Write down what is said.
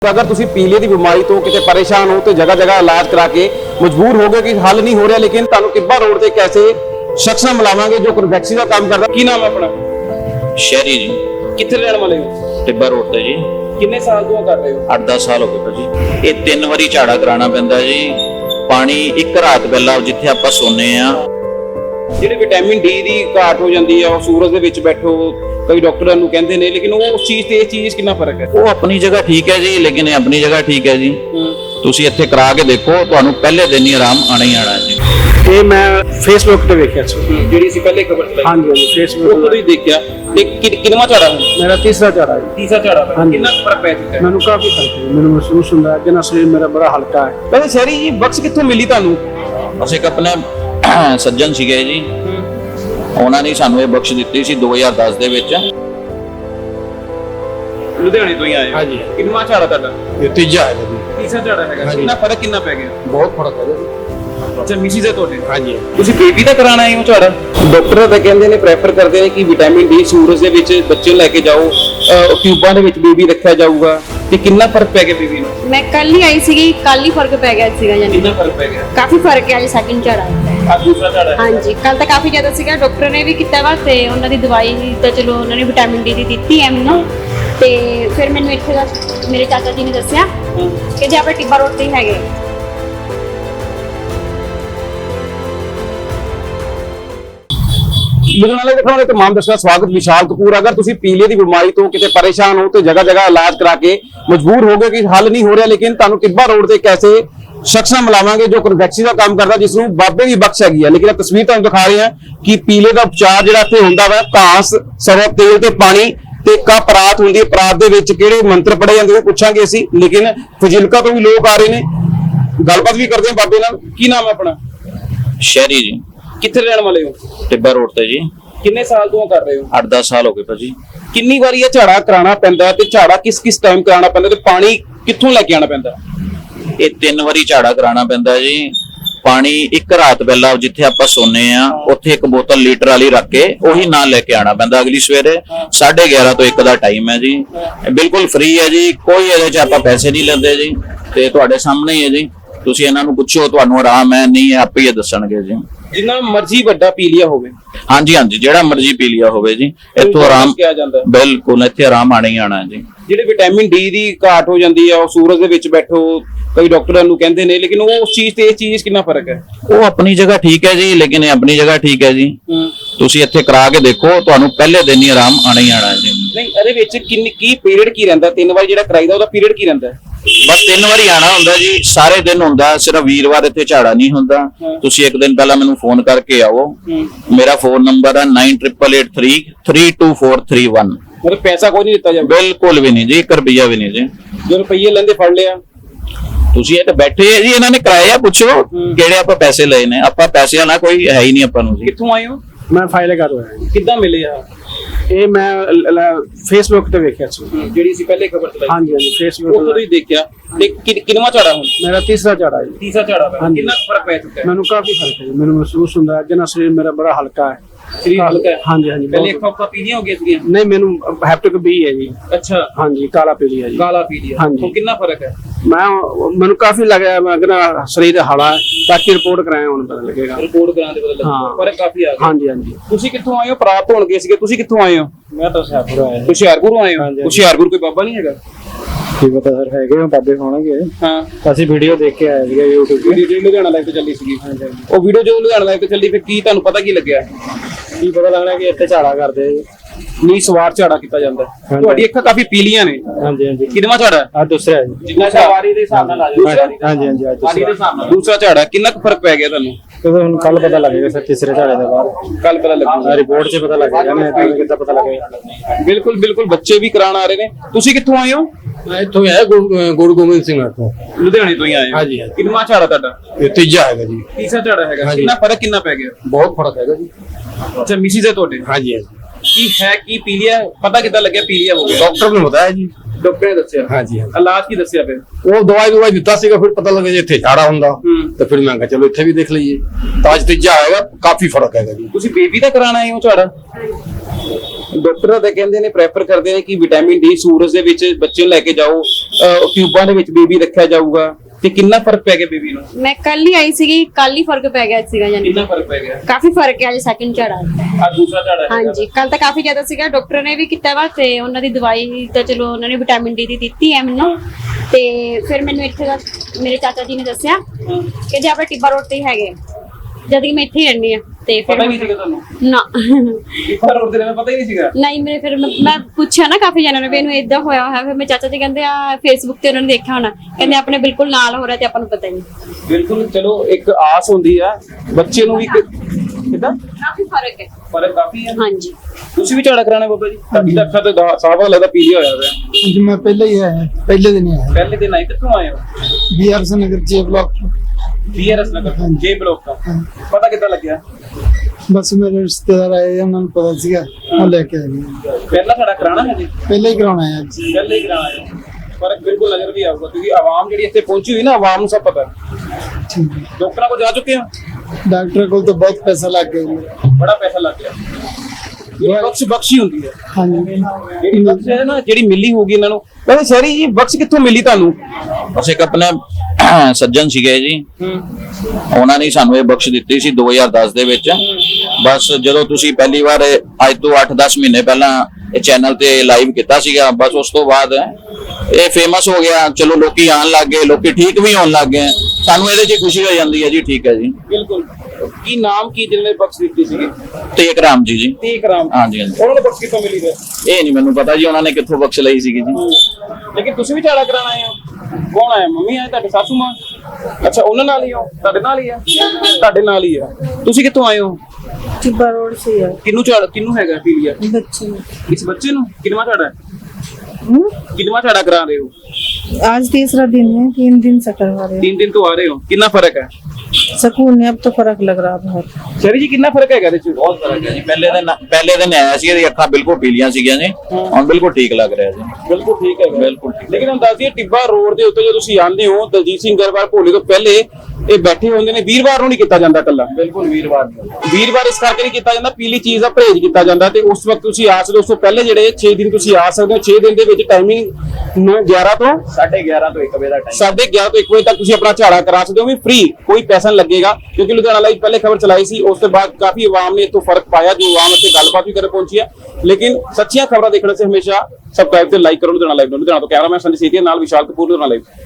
अगर तुसी पीलिए की बीमारी तो किते परेशान हो तो जगह जगह इलाज करा के मजबूर हो गए कि हल नहीं हो रहा, लेकिन तुहानू टिब्बा रोड से कैसे शख्स नाल मिलावांगे जो कोवैक्सीन का काम करता। की नाम है अपना? शहरी जी। कित्थे रहने वाले हो? टिब्बा रोड ते जी। किन्ने साल तो कर रहे हो? 8-10 साल हो गए जी। ये 3 वारी झाड़ा कराना पैंदा जी। पानी एक रात पहला जिथे आपां सोने आ, ਜਿਹੜੇ ਵਿਟਾਮਿਨ ਡੀ ਦੀ ਘਾਟ ਹੋ ਜਾਂਦੀ ਹੈ ਉਹ ਸੂਰਜ ਦੇ ਵਿੱਚ ਬੈਠੋ ਕਈ ਡਾਕਟਰਾਂ ਨੂੰ ਕਹਿੰਦੇ ਨੇ, ਲੇਕਿਨ ਉਹ ਉਸ ਚੀਜ਼ ਤੇ ਇਹ ਚੀਜ਼ ਕਿੰਨਾ ਫਰਕ ਹੈ? ਉਹ ਆਪਣੀ ਜਗ੍ਹਾ ਠੀਕ ਹੈ ਜੀ, ਲੇਕਿਨ ਇਹ ਆਪਣੀ ਜਗ੍ਹਾ ਠੀਕ ਹੈ ਜੀ। ਤੁਸੀਂ ਇੱਥੇ ਕਰਾ ਕੇ ਦੇਖੋ, ਤੁਹਾਨੂੰ ਪਹਿਲੇ ਦਿਨ ਹੀ ਆਰਾਮ ਆਣਾ ਹੀ ਆਣਾ ਜੀ। ਇਹ ਮੈਂ ਫੇਸਬੁੱਕ ਤੇ ਵੇਖਿਆ ਸੀ, ਜਿਹੜੀ ਸੀ ਪਹਿਲੇ ਖਬਰ ਚਲਾਈ। ਹਾਂਜੀ ਹਾਂਜੀ ਫੇਸਬੁੱਕ ਉਹ ਹੀ ਦੇਖਿਆ ਤੇ ਕਿੰਨਵਾਂ ਝਾੜਾ ਹੈ? ਮੇਰਾ ਤੀਸਰਾ ਝਾੜਾ ਹੈ। ਤੀਸਰਾ ਝਾੜਾ ਹੈ। ਹਾਂਜੀ। ਕਿੰਨਾ ਕੁ ਫਰਕ ਪੈ ਚੁੱਕਾ ਹੈ? ਮੈਨੂੰ ਕਾਫੀ ਫਰਕ ਹੈ, ਮੈਨੂੰ ਮਹਿਸੂਸ ਹੁੰਦਾ ਹੈ ਕਿ ਨਾ ਸਰੀਰ ਮੇਰਾ ਬੜਾ ਹਲਕਾ ਹੈ। ਵੈਸੇ ਸ਼ਹਿਰੀ ਜੀ ਬਖਸ਼ ਕਿੱਥੋਂ ਮਿਲੀ ਤੁਹਾਨੂੰ? ਅਸੀਂ ਇੱਕ ਆਪਣੇ ਸੱਜਣ ਸੀਗੇ ਜੀ, ਉਹਨਾਂ ਨੇ ਸਾਨੂੰ ਇਹ ਬਖਸ਼ ਦਿੱਤੀ ਸੀ 2010 ਦੇ ਵਿੱਚ। ਲੁਧਿਆਣੇ ਤੋਂ ਹੀ ਆਏ? ਹਾਂਜੀ। ਕਿੰਨਵਾਂ ਝਾੜਾ ਤੁਹਾਡਾ? ਇਹ ਤੀਜਾ ਹੈ ਜੀ। ਤੀਸਰਾ ਝਾੜਾ ਹੈਗਾ। ਹਾਂਜੀ। ਕਿੰਨਾ ਫਰਕ ਕਿੰਨਾ ਪੈ ਗਿਆ? ਬਹੁਤ ਫਰਕ ਹੈ ਜੀ। ਅੱਛਾ, ਮਿਸਿਸ ਹੈ ਤੁਹਾਡੇ? ਹਾਂਜੀ। ਤੁਸੀਂ ਬੇਬੀ ਦਾ ਕਰਾਣਾ ਆਏ ਹੋ ਝਾੜਾ? ਡਾਕਟਰ ਤਾਂ ਕਹਿੰਦੇ ਨੇ, ਪ੍ਰੈਫਰ ਕਰਦੇ ਨੇ ਕਿ ਵਿਟਾਮਿਨ ਡੀ ਸੂਰਜ ਦੇ ਵਿੱਚ ਬੱਚੇ ਲੈ ਕੇ ਜਾਓ, ਟਿਊਬਾਂ ਦੇ ਵਿੱਚ ਬੇਬੀ ਰੱਖਿਆ ਜਾਊਗਾ। ਤੇ ਕਿੰਨਾ ਫਰਕ ਪੈ ਗਿਆ ਬੇਬੀ ਨੂੰ? ਮੈਂ ਕੱਲ ਹੀ ਆਈ ਸੀਗੀ, ਕੱਲ ਹੀ ਫਰਕ ਪੈ ਗਿਆ ਸੀਗਾ। ਯਾਨੀ ਕਿੰਨਾ ਫਰਕ ਪੈ ਗਿਆ? ਕਾਫੀ ਫਰਕ ਹੈ। ਅੱਜ ਸੈਕਿੰਡ ਝਾੜਾ ਹੈ। ਆ ਦੂਸਰਾ ਝਾੜਾ ਹੈ? ਹਾਂਜੀ, ਕੱਲ ਤਾਂ ਕਾਫੀ ਜ਼ਿਆਦਾ ਸੀਗਾ। ਡਾਕਟਰ ਨੇ ਵੀ ਕੀਤਾ ਵਾ ਤੇ ਉਹਨਾਂ ਦੀ ਦਵਾਈ ਤਾਂ ਚਲੋ ਉਹਨਾਂ ਨੇ ਵਿਟਾਮਿਨ ਡੀ ਦੀ ਦਿੱਤੀ ਹੈ ਮੈਨੂੰ। ਤੇ ਫਿਰ ਮੈਨੂੰ ਇੱਥੇ ਦਾ ਮੇਰੇ ਚਾਚਾ ਜੀ ਨੇ ਦੱਸਿਆ ਕਿ ਜੇ ਆਪਾਂ ਟਿੱਬਾ ਰੋਡ ਤੇ ਹੀ ਹੈਗੇ। ਲੁਧਿਆਣਾ ਦੇਖਣ ਵਾਲੇ तमाम दर्शकों का स्वागत। विशाल कपूर। अगर तुसी पीलिए की बीमारी तो किते परेशान हो तो जगह जगह इलाज करा के मजबूर हो गए कि हल नहीं हो रहा, लेकिन तुहानू टिब्बा रोड से कैसे शख्स नाल मिलावांगे जो कोवैक्सीन का काम करता, जिसनू बाबे की बख्श हैगी है। लेकिन तस्वीर तुहानू दिखा रहे हैं कि पीले का उपचार जिहड़ा इत्थे हुंदा वा, घास, सरों तेल ते पानी ते का परात हुंदी है। परात दे विच किहड़े मंत्र पढ़े जांदे ने पुछांगे असीं, लेकिन फजिलका तो भी लोग आ रहे ने। गलबात भी करदे हां बाबे नाल। की नाम है अपना? शहरी जी। कित्थे रहण वाले हो? ਟਿੱਬਾ ਰੋਡ ਤੇ ਜੀ। किन्ने साल तो कर रहे हो? 8-10 ਸਾਲ ਹੋ ਗਏ ਭਾਜੀ। किन्नी वारी ਇਹ ਝਾੜਾ ਕਰਾਣਾ ਪੈਂਦਾ ਤੇ ਝਾੜਾ ਕਿਸ ਟਾਈਮ ਕਰਾਣਾ ਪੈਂਦਾ ਤੇ ਪਾਣੀ ਕਿੱਥੋਂ ਲੈ ਕੇ ਆਣਾ ਪੈਂਦਾ? ਇਹ 3 ਵਾਰੀ ਝਾੜਾ ਕਰਾਣਾ ਪੈਂਦਾ ਜੀ। ਪਾਣੀ ਇੱਕ ਰਾਤ ਪਹਿਲਾਂ ਜਿੱਥੇ ਆਪਾਂ ਸੋਨੇ ਆ, ਉੱਥੇ ਇੱਕ ਬੋਤਲ ਲੀਟਰ ਵਾਲੀ ਰੱਖ ਕੇ ਉਹੀ ਨਾਲ ਲੈ ਕੇ ਆਣਾ ਪੈਂਦਾ। ਅਗਲੀ ਸਵੇਰੇ 11:30 ਤੋਂ 1 ਦਾ ਟਾਈਮ ਹੈ ਜੀ। ਇਹ ਬਿਲਕੁਲ ਫ੍ਰੀ ਹੈ ਜੀ, ਕੋਈ ਇਹਦੇ 'ਚ ਆਪਾਂ ਪੈਸੇ ਨਹੀਂ ਲੈਂਦੇ ਜੀ। ਤੇ ਤੁਹਾਡੇ ਸਾਹਮਣੇ ਹੀ ਹੈ ਜੀ, ਤੁਸੀਂ ਇਹਨਾਂ ਨੂੰ ਪੁੱਛੋ ਤੁਹਾਨੂੰ ਆਰਾਮ ਹੈ ਨਹੀਂ ਹੈ, ਆਪੇ ਹੀ ਦੱਸਣਗੇ ਜੀ। ਜਿੰਨਾ ਮਰਜ਼ੀ ਵੱਡਾ ਪੀ ਲਿਆ ਹੋਵੇ? ਹਾਂਜੀ ਹਾਂਜੀ, ਜਿਹੜਾ ਮਰਜ਼ੀ ਪੀ ਲਿਆ ਹੋਵੇ ਜੀ, ਇੱਥੋਂ ਆਰਾਮ ਕਿਹਾ ਜਾਂਦਾ। ਬਿਲਕੁਲ ਇੱਥੇ ਆਰਾਮ ਆਣਾ ਹੀ ਆਣਾ ਜੀ। ਜਿਹੜੇ ਵਿਟਾਮਿਨ ਡੀ ਦੀ ਘਾਟ ਹੋ ਜਾਂਦੀ ਹੈ ਉਹ ਸੂਰਜ ਦੇ ਵਿੱਚ ਬੈਠੋ ਕਈ ਡਾਕਟਰਾਂ ਨੂੰ ਕਹਿੰਦੇ ਨੇ, ਲੇਕਿਨ ਉਹ ਉਸ ਚੀਜ਼ ਤੇ ਇਹ ਚੀਜ਼ ਕਿੰਨਾ ਫਰਕ ਹੈ? ਉਹ ਆਪਣੀ ਜਗ੍ਹਾ ਠੀਕ ਹੈ ਜੀ, ਲੇਕਿਨ ਇਹ ਆਪਣੀ ਜਗ੍ਹਾ ਠੀਕ ਹੈ ਜੀ। ਤੁਸੀਂ ਇੱਥੇ ਕਰਾ ਕੇ ਦੇਖੋ, ਤੁਹਾਨੂੰ ਪਹਿਲੇ ਦਿਨ ਹੀ ਆਰਾਮ ਆਣਾ ਹੀ ਆਣਾ ਜੀ। ਨਹੀਂ, ਇਹਦੇ ਵਿੱਚ ਕੀ ਪੀਰੀਅਡ ਕੀ ਰਹਿੰਦਾ? 3 ਵਾਰ ਜਿਹੜਾ ਕਰਾਈਦਾ ਉਹਦਾ ਪੀਰੀਅਡ ਕੀ ਰਹਿੰਦਾ? ਬਸ 3 ਵਾਰੀ ਆਣਾ ਹੁੰਦਾ ਜੀ, ਸਾਰੇ ਦਿਨ ਹੁੰਦਾ, ਸਿਰਫ ਵੀਰਵਾਰ ਇੱਥੇ ਝਾੜਾ ਨਹੀਂ ਹੁੰਦਾ। ਤੁਸੀਂ ਇੱਕ ਦਿਨ ਪਹਿਲਾਂ ਮੈਨੂੰ ਫੋਨ ਕਰਕੇ ਆਓ। ਮੇਰਾ ਫੋਨ ਨੰਬਰ ਹੈ 9888332431। ਮਤਲਬ ਪੈਸਾ ਕੋਈ ਨਹੀਂ ਦਿੱਤਾ ਜਾਂਦਾ? ਬਿਲਕੁਲ ਵੀ ਨਹੀਂ ਜੀ, 1 ਰੁਪਈਆ ਵੀ ਨਹੀਂ ਜੀ। ਜੋ ਰੁਪਈਏ ਲੈਂਦੇ ਫੜ ਲਿਆ। ਤੁਸੀਂ ਇੱਥੇ ਬੈਠੇ ਆ ਜੀ, ਇਹਨਾਂ ਨੇ ਕਰਾਇਆ, ਪੁੱਛੋ ਕਿਹੜੇ ਆਪਾਂ ਪੈਸੇ ਲਏ ਨੇ। ਆਪਾਂ ਪੈਸਿਆਂ ਨਾਲ ਕੋਈ ਹੈ ਹੀ ਨਹੀਂ ਆਪਾਂ ਨੂੰ ਜੀ। ਕਿੱਥੋਂ ਆਏ ਹੋ? ਮੈਂ ਫਾਈਲ ਕਰ ਰਿਹਾ। ਕਿੱਦਾਂ ਮਿਲੇ ਆ? ਇਹ ਮੈਂ ਫੇਸਬੁੱਕ ਤੇ ਵੇਖਿਆ ਸੀ, ਜਿਹੜੀ ਸੀ ਪਹਿਲੇ ਖਬਰ ਚਲਾਈ। ਹਾਂਜੀ ਹਾਂਜੀ ਫੇਸਬੁੱਕ ਉਹ ਹੀ ਦੇਖਿਆ ਤੇ ਕਿੰਨਵਾਂ ਝਾੜਾ ਹੁਣ? ਮੇਰਾ ਤੀਸਰਾ ਝਾੜਾ ਹੈ। ਤੀਸਰਾ ਝਾੜਾ ਹੈ। ਹਾਂਜੀ। ਕਿੰਨਾ ਕੁ ਫਰਕ ਪੈ ਚੁੱਕਾ ਹੈ? ਮੈਨੂੰ ਕਾਫੀ ਫਰਕ ਹੈ, ਮੈਨੂੰ ਮਹਿਸੂਸ ਹੁੰਦਾ ਹੈ ਕਿ ਨਾ ਸਰੀਰ ਮੇਰਾ ਬੜਾ ਹਲਕਾ ਹੈ। ਸਰੀਰ ਹਲਕਾ ਹੈ? ਹਾਂਜੀ ਹਾਂਜੀ। ਪਹਿਲੇ ਇੱਕ ਹਫ਼ਤਾ ਪੀਲੀਆਂ ਹੋ ਗਈਆਂ ਸੀਗੀਆਂ? ਨਹੀਂ, ਮੈਨੂੰ ਹੈਪਟਿਕ ਬੀ ਹੈ ਜੀ। ਅੱਛਾ। ਹਾਂਜੀ, ਕਾਲਾ ਪੀਲੀ ਹੈ ਜੀ। ਕਾਲਾ ਪੀ ਲਿਆ। ਹਾਂਜੀ। ਹੁਣ ਕਿੰਨਾ ਫਰਕ ਹੈ? ਮੈਨੂੰ ਕਾਫੀ ਲੱਗਿਆ, ਮੈਂ ਕਹਿੰਦਾ ਸਰੀਰ ਹਲਾ ਹੈ। ਬਾਕੀ ਰਿਪੋਰਟ ਕਰਾਇਆ ਹੁਣ ਪਤਾ ਲੱਗੇਗਾ। ਰਿਪੋਰਟ ਕਰਾਉਣ ਦੇ ਬਦਲੇ ਹਾਂ। ਫਰਕ ਕਾਫੀ ਆ ਗਿਆ। ਹਾਂਜੀ ਹਾਂਜੀ। ਤੁਸੀਂ ਕਿੱਥੋਂ ਆਏ ਹੋ? ਪ੍ਰਾਪਤ ਹੋਣ ਗਏ ਸੀਗੇ। ਤੁਸੀਂ ਕਿੱਥੋਂ ਆਏ ਹੋ? ਮੈਂ ਤਾਂ ਹੁਸ਼ਿਆਰਪੁਰ ਆਇਆ। ਹੁਸ਼ਿਆਰਪੁਰ ਆਏ ਹੋ? ਹਾਂਜੀ। ਹੁਸ਼ਿਆਰਪੁਰ ਕੋਈ ਬਾਬਾ ਨਹੀਂ ਹੈਗਾ? ਕੀ ਪਤਾ ਸਰ, ਹੈਗੇ ਹੋ ਬਾਬੇ ਹੋਣਗੇ। ਹਾਂ, ਅਸੀਂ ਵੀਡੀਓ ਦੇਖ ਕੇ ਆਏ ਸੀਗੇ YouTube ਤੇ। ਜਿਹੜੀ ਲੁਧਿਆਣਾ ਲਾਈਵ ਤੇ ਚੱਲੀ ਸੀਗੀ। ਉਹ ਵੀਡੀਓ ਜਦੋਂ ਲੁਧਿਆਣਾ ਲਾਈਵ ਤੇ ਚੱਲੀ, ਫਿਰ ਕੀ ਤੁਹਾਨੂੰ ਪਤਾ ਕੀ ਲੱਗਿਆ? ਕੀ ਪਤਾ ਲੱਗਣਾ ਕਿ ਇੱਥੇ ਝਾੜਾ ਕਰਦੇ ਆ ਜੀ। ਨੀ ਸਵਾਰ ਝਾੜਾ ਕੀਤਾ ਜਾਂਦਾ। ਹਾਂਜੀ। ਤੁਹਾਡੀ ਅੱਖਾਂ ਕਾਫੀ ਪੀਲੀਆਂ ਨੇ। ਹਾਂਜੀ ਹਾਂਜੀ। ਕਿੰਨਵਾਂ ਝਾੜਾ? ਆ ਦੂਸਰਾ ਹੈ ਜੀ। ਜਿੰਨਾ ਵਾਰੀ ਦੇ ਹਿਸਾਬ ਨਾਲ ਆ ਜਾਊਗਾ। ਹਾਂਜੀ ਹਾਂਜੀ। ਆ ਦੂਸਰਾ। ਦੂਸਰਾ ਝਾੜਾ ਕਿੰਨਾ ਕੁ ਫਰਕ ਪੈ ਗਿਆ ਤੁਹਾਨੂੰ? ਕਿਉਂਕਿ ਹੁਣ ਕੱਲ ਪਤਾ ਲੱਗੇਗਾ ਸਰ, ਤੀਸਰੇ ਝਾੜੇ ਦੇ ਬਾਅਦ ਕੱਲ ਪਤਾ ਲੱਗੂਗਾ। ਰਿਪੋਰਟ 'ਚ ਪਤਾ ਲੱਗੇਗਾ ਨਾ, ਤੁਹਾਨੂੰ ਕਿੱਦਾਂ ਪਤਾ ਲੱਗੇਗਾ। ਬਿਲਕੁਲ ਬਿਲकुल। ਬੱਚੇ ਵੀ ਕਰਾਉਣ ਆ ਰਹੇ ਨੇ। ਤੁਸੀਂ ਕਿੱਥੋਂ ਆਏ ਹੋ? ਮੈਂ ਇੱਥੋਂ ਆਇਆ ਗੁਰੂ ਗੋਬਿੰਦ ਸਿੰਘ ਤੋਂ। ਲੁਧਿਆਣੇ ਤੋਂ ਹੀ ਆਏ ਹੋ? ਹਾਂਜੀ ਹਾਂਜੀ। ਕਿੰਨਵਾਂ ਝਾੜਾ ਤੁਹਾਡਾ? ਇਹ ਤੀਜਾ ਹੈਗਾ ਜੀ। ਤੀਸਰਾ ਝਾੜਾ ਹੈਗਾ। ਹਾਂਜੀ। ਕਿੰਨਾ ਫਰਕ ਕਿੰਨਾ ਪੈ ਗਿਆ? ਬਹੁਤ ਫਰਕ ਹੈਗਾ ਜੀ। ਅੱਛਾ, ਮਿਸਿਸ ਹੈ ਤੁਹਾਡੇ? ਹਾਂਜੀ ਹਾਂਜੀ। ਕੀ ਹੈ ਕੀ ਪੀਲੀਆ? ਪਤਾ ਕਿੱਦਾਂ ਲੱਗਿਆ ਪੀਲੀਆ ਹੋ ਗਿਆ? ਡਾਕਟਰ ਨੇ ਬਤਾਇਆ ਜੀ। ਡਾਕਟਰ ਨੇ ਦੱਸਿਆ? ਹਾਂਜੀ ਹਾਂਜੀ। ਇਲਾਜ ਕੀ ਦੱਸਿਆ ਫਿਰ? ਉਹ ਦਵਾਈ ਦਿੱਤਾ ਸੀਗਾ, ਫਿਰ ਪਤਾ ਲੱਗਾ ਜੇ ਇੱਥੇ ਝਾੜਾ ਹੁੰਦਾ ਤਾਂ ਫਿਰ ਮੈਂ ਕਿਹਾ ਚਲੋ ਇੱਥੇ ਵੀ ਦੇਖ ਲਈਏ। ਤਾਂ ਅੱਜ ਤੀਜਾ ਆਏਗਾ, ਕਾਫੀ ਫਰਕ ਹੈਗਾ ਜੀ। ਤੁਸੀਂ ਬੇਬੀ ਦਾ ਕਰਾਣਾ ਆਏ ਹੋ ਝਾੜਾ? ਡਾਕਟਰ ਤਾਂ ਕਹਿੰਦੇ ਨੇ ਪ੍ਰੈਫਰ ਕਰਦੇ ਨੇ ਕਿ ਵਿਟਾਮਿਨ ਡੀ ਸੂਰਜ ਦੇ ਵਿੱਚ ਬੱਚੇ ਨੂੰ ਲੈ ਕੇ ਜਾਓ, ਟਿਊਬਾਂ ਦੇ ਵਿੱਚ ਬੇਬੀ ਰੱਖਿਆ ਜਾਊਗਾ, ਤੇ ਕਿੰਨਾ ਫਰਕ ਪੈ ਗਿਆ ਬੇਬੀ ਨੂੰ? ਮੈਂ ਕੱਲ ਹੀ ਆਈ ਸੀਗੀ, ਕੱਲ ਹੀ ਫਰਕ ਪੈ ਗਿਆ ਸੀਗਾ, ਯਾਨੀ ਕਿੰਨਾ ਫਰਕ ਪੈ ਗਿਆ? ਕਾਫੀ ਫਰਕ ਹੈ ਅੱਜ ਸੈਕਿੰਡ ਝਾੜਾ। ਆ ਦੂਸਰਾ ਝਾੜਾ ਹੈ? ਹਾਂਜੀ, ਕੱਲ ਤਾਂ ਕਾਫੀ ਜ਼ਿਆਦਾ ਸੀਗਾ, ਡਾਕਟਰ ਨੇ ਵੀ ਕੀਤਾ ਵਾ ਤੇ ਉਹਨਾਂ ਦੀ ਦਵਾਈ ਤਾਂ ਚਲੋ ਉਹਨਾਂ ਨੇ ਵਿਟਾਮਿਨ ਡੀ ਦੀ ਦਿੱਤੀ ਹੈ ਮੈਨੂੰ। ਤੇ ਫਿਰ ਮੈਨੂੰ ਇੱਥੇ ਦਾ ਮੇਰੇ ਚਾਚਾ ਜੀ ਨੇ ਦੱਸਿਆ ਕਿ ਜੇ ਆਪਾਂ ਟਿੱਬਾ ਰੋਡ ਤੇ ਹੀ ਹੈਗੇ, ਜਦ ਕਿ ਮੈਂ ਇੱਥੇ ਹੀ ਰਹਿੰਦੀ ਆ, ਤੇ ਫਿਰ ਪਤਾ ਹੀ ਨਹੀਂ ਸੀਗਾ ਤੁਹਾਨੂੰ? ਨਾ ਟਿੱਬਾ ਰੋਡ ਤੇ ਰਹਿਣਾ ਪਤਾ ਹੀ ਨਹੀਂ ਸੀਗਾ? ਨਹੀਂ, ਮੇਰੇ ਫਿਰ ਮੈਂ ਪੁੱਛਿਆ ਨਾ ਕਾਫੀ ਜਣਾਂ ਨੇ ਵੀ ਇਹਨੂੰ ਇਦਾਂ ਹੋਇਆ ਹੋਇਆ, ਫਿਰ ਮੇਰੇ ਚਾਚਾ ਜੀ ਕਹਿੰਦੇ ਆ ਫੇਸਬੁੱਕ ਤੇ ਉਹਨਾਂ ਨੇ ਦੇਖਿਆ ਹੋਣਾ, ਕਹਿੰਦੇ ਆਪਣੇ ਬਿਲਕੁਲ ਨਾਲ ਹੋ ਰਿਹਾ ਤੇ ਆਪਾਂ ਨੂੰ ਪਤਾ ਹੀ ਨਹੀਂ। ਬਿਲਕੁਲ, ਚਲੋ ਇੱਕ ਆਸ ਹੁੰਦੀ ਆ ਬੱਚੇ ਨੂੰ ਵੀ ਕਿਦਾਂ ਕਾਫੀ ਫਰਕ ਹੈ। ਫਰਕ ਕਾਫੀ ਹੈ। ਹਾਂਜੀ, ਤੁਸੀਂ ਵੀ ਝਾੜਾ ਕਰਾਣਾ ਬਾਬਾ ਜੀ? ਤੁਹਾਡੀ ਤਾਂ ਅੱਖਾਂ ਤੇ ਸਾਫ ਲੱਗਦਾ ਪੀਲੀਆ ਹੋਇਆ ਹੋਇਆ। जी मैं पहले ही आया, पहले दिन ही आया ਪਹਿਲੇ ਦਿਨ ਆਏ, ਕਿੱਥੋਂ ਆਏ ਹੋ? BRC Nagar J block. BRS Nagar J block ਤੋਂ। हाँ। ਪਤਾ ਕਿੱਦਾਂ ਲੱਗਿਆ? बस मेरे रिश्तेदार आए, उन्होंने पता सीगा, मैं लेके आ गया। ਪਹਿਲਾਂ ਝਾੜਾ ਕਰਾਣਾ ਹੈ ਜੀ? पहले ही कराना है आज। ਪਹਿਲੇ ਹੀ ਕਰਾਣਾ ਹੈ। ਫਰਕ ਬਿਲਕੁਲ ਨਜ਼ਰ ਵੀ ਆਊਗਾ ਕਿਉਂਕਿ ਆਵਾਮ ਜਿਹੜੀ ਇੱਥੇ ਪਹੁੰਚੀ ਹੋਈ ਨਾ, ਆਵਾਮ ਨੂੰ ਸਭ ਪਤਾ ਹੈ। ठीक है। ਡਾਕਟਰਾਂ ਕੋਲ ਜਾ ਚੁੱਕੇ ਹੋ? डॉक्टर को तो बहुत पैसा लग गया। ਬੜਾ ਪੈਸਾ ਲੱਗ ਗਿਆ। ਇਹ ਬਖਸ਼ੀ ਹੁੰਦੀ ਹੈ हाँ जी। ਜਿਹੜੀ ਬਖਸ਼ ਹੈ ਨਾ, ਜਿਹੜੀ ਮਿਲੀ ਹੋਗੀ ਇਹਨਾਂ ਨੂੰ। ਵੈਸੇ ਸ਼ਹਿਰੀ ਜੀ ਬਖਸ਼ ਕਿੱਥੋਂ ਮਿਲੀ ਤੁਹਾਨੂੰ? ਬਸ ਇੱਕ ਆਪਣੇ ਸੱਜਣ ਸੀਗੇ ਜੀ, ਉਹਨਾਂ ਨੇ ਸਾਨੂੰ ਇਹ ਬਖਸ਼ ਦਿੱਤੀ ਸੀ 2010 ਦੇ ਵਿੱਚ। ਬਸ ਜਦੋਂ ਤੁਸੀਂ ਪਹਿਲੀ ਵਾਰ ਅੱਜ ਤੋਂ 8-10 ਮਹੀਨੇ ਪਹਿਲਾਂ ਇਹ ਚੈਨਲ ਤੇ ਲਾਈਵ ਕੀਤਾ ਸੀਗਾ, ਬਸ ਉਸ ਤੋਂ ਬਾਅਦ ਇਹ ਫੇਮਸ ਹੋ ਗਿਆ। ਚਲੋ ਲੋਕੀ ਆਉਣ ਲੱਗ ਗਏ, ਲੋਕੀ ਠੀਕ ਵੀ ਹੋਣ ਲੱਗ ਗਏ, ਸਾਨੂੰ ਇਹਦੇ 'ਚ ਖੁਸ਼ੀ ਹੋ ਜਾਂਦੀ ਹੈ ਜੀ। ਠੀਕ ਹੈ ਜੀ। ਬਿਲਕੁਲ। ਕੀ ਨਾਮ ਕੀ ਜਿਹਨਾਂ ਨੇ ਬਖਸ਼ ਦਿੱਤੀ ਸੀਗੀ? ਤੇਕ ਰਾਮ ਜੀ ਜੀ। ਤੇਕ ਰਾਮ। ਹਾਂਜੀ ਹਾਂਜੀ। ਉਹਨਾਂ ਨੂੰ ਬਖਸ਼ ਕਿੱਥੋਂ ਮਿਲੀ ਫਿਰ? ਇਹ ਨਹੀਂ ਮੈਨੂੰ ਪਤਾ ਜੀ ਉਹਨਾਂ ਨੇ ਕਿੱਥੋਂ ਬਖਸ਼ ਲਈ ਸੀਗੀ ਜੀ। ਲੇਕਿਨ ਤੁਸੀਂ ਵੀ ਝਾੜਾ ਕਰਾਉਣ ਆਏ ਹੋ? ਕੌਣ ਆਇਆ? ਮੰਮੀ ਆਏ, ਤੁਹਾਡੇ ਸਾਸੂ ਮਾਂ? ਅੱਛਾ, ਉਹਨਾਂ ਨਾਲ ਹੀ ਹੋ? ਤੁਹਾਡੇ ਨਾਲ ਹੀ ਆ? ਤੁਹਾਡੇ ਨਾਲ ਹੀ ਆ। ਤੁਸੀਂ ਕਿੱਥੋਂ ਆਏ ਹੋ? टिब्बा रोड से है ਕਿਹਨੂੰ ਹੈਗਾ ਪੀਲੀਆ? बच्चे में। ਇਸ ਬੱਚੇ ਨੂੰ ਕਿੰਨਵਾਂ ਝਾੜਾ ਹੈ? ਕਿੰਨਵਾਂ ਝਾੜਾ ਕਰਾ ਰਹੇ ਹੋ? आज तीसरा दिन है, 3 दिन से करवा रहे 3 ਦਿਨ ਤੋਂ ਆ ਰਹੇ ਹੋ। ਕਿੰਨਾ ਫਰਕ ਹੈ? हैं। सुकून है, अब तो फर्क लग रहा बहुत। ਸ਼ਰੀ ਜੀ ਕਿੰਨਾ ਫਰਕ ਹੈਗਾ ਇਹਦੇ ਚ? ਬਹੁਤ ਫਰਕ ਹੈ ਜੀ। ਪਹਿਲੇ ਦਿਨ ਆਇਆ ਸੀ, ਇਹਦੀ ਅੱਖਾਂ ਬਿਲਕੁਲ ਪੀਲੀਆਂ ਸੀਗੀਆਂ ਜੀ, ਹੁਣ ਬਿਲਕੁਲ ਠੀਕ ਲੱਗ ਰਿਹਾ ਜੀ। ਬਿਲਕੁਲ ਠੀਕ ਹੈਗਾ। ਬਿਲਕੁਲ ਠੀਕ। ਲੇਕਿਨ ਹੁਣ ਦੱਸ ਦਈਏ, ਟਿੱਬਾ ਰੋਡ ਦੇ ਉੱਤੇ ਜਦੋਂ ਤੁਸੀਂ ਆਉਂਦੇ ਹੋ, ਦਲਜੀਤ ਸਿੰਘ ਗਰੇਵਾਲ ਭੋਲੇ ਤੋਂ ਪਹਿਲੇ ਇਹ ਬੈਠੇ ਹੁੰਦੇ ਨੇ। ਵੀਰਵਾਰ ਨੂੰ ਨਹੀਂ ਕੀਤਾ ਜਾਂਦਾ ਕੱਲਾ? ਬਿਲਕੁਲ ਵੀਰਵਾਰ ਵੀਰਵਾਰ ਇਸ ਕਰਕੇ ਨਹੀਂ ਕੀਤਾ ਜਾਂਦਾ, ਪੀਲੀ ਚੀਜ਼ ਦਾ ਪਰਹੇਜ਼ ਕੀਤਾ ਜਾਂਦਾ। ਤੇ ਉਸ ਵਕਤ ਤੁਸੀਂ ਆ ਸਕਦੇ ਹੋ। ਉਸ ਤੋਂ ਪਹਿਲੇ ਜਿਹੜੇ 6 ਦਿਨ ਤੁਸੀਂ ਆ ਸਕਦੇ ਹੋ। 6 ਦਿਨ ਦੇ ਵਿੱਚ ਟਾਈਮਿੰਗ 11 ਤੋਂ 11:30 ਤੋਂ 1 ਵਜੇ ਦਾ ਟਾਈਮ। 11:30 ਤੋਂ 1 ਵਜੇ ਤੱਕ ਤੁਸੀਂ ਆਪਣਾ ਝਾੜਾ ਕਰਾ ਸਕਦੇ ਹੋ, ਵੀ ਫ੍ਰੀ, ਕੋਈ ਪੈਸਾ ਨਹੀਂ ਲੱਗੇਗਾ। ਕਿਉਂਕਿ ਲੁਧਿਆਣਾ ਲਾਈਵ ਪਹਿਲੇ ਖਬਰ ਚਲਾਈ ਸੀ, ਉਸ ਤੋਂ ਬਾਅਦ ਕਾਫੀ ਆਵਾਮ ਨੇ ਇੱਥੋਂ ਫਰਕ ਪਾਇਆ, ਜੋ ਆਵਾਮ ਇੱਥੇ ਗੱਲਬਾਤ ਵੀ ਕਰ ਪਹੁੰਚੀ ਹੈ। ਲੇਕਿਨ ਸੱਚੀਆਂ ਖਬਰਾਂ ਦੇਖਣ ਸੇ ਹਮੇਸ਼ਾ ਸਬਸਕ੍ਰਾਈਬ ਤੇ ਲਾਈਕ ਕਰੋ ਲੁਧਿਆਣਾ ਲਾਈਵ ਨੂੰ। ਲੁਧਿਆਣਾ ਤੋਂ ਕੈਮਰਾਮੈਨ ਸੰਜੇ ਸੇਤੀਆ ਨਾਲ ਵਿਸ਼ਾਲ ਕਪੂਰ, ਲੁਧਿਆਣਾ ਲਾਈਵ।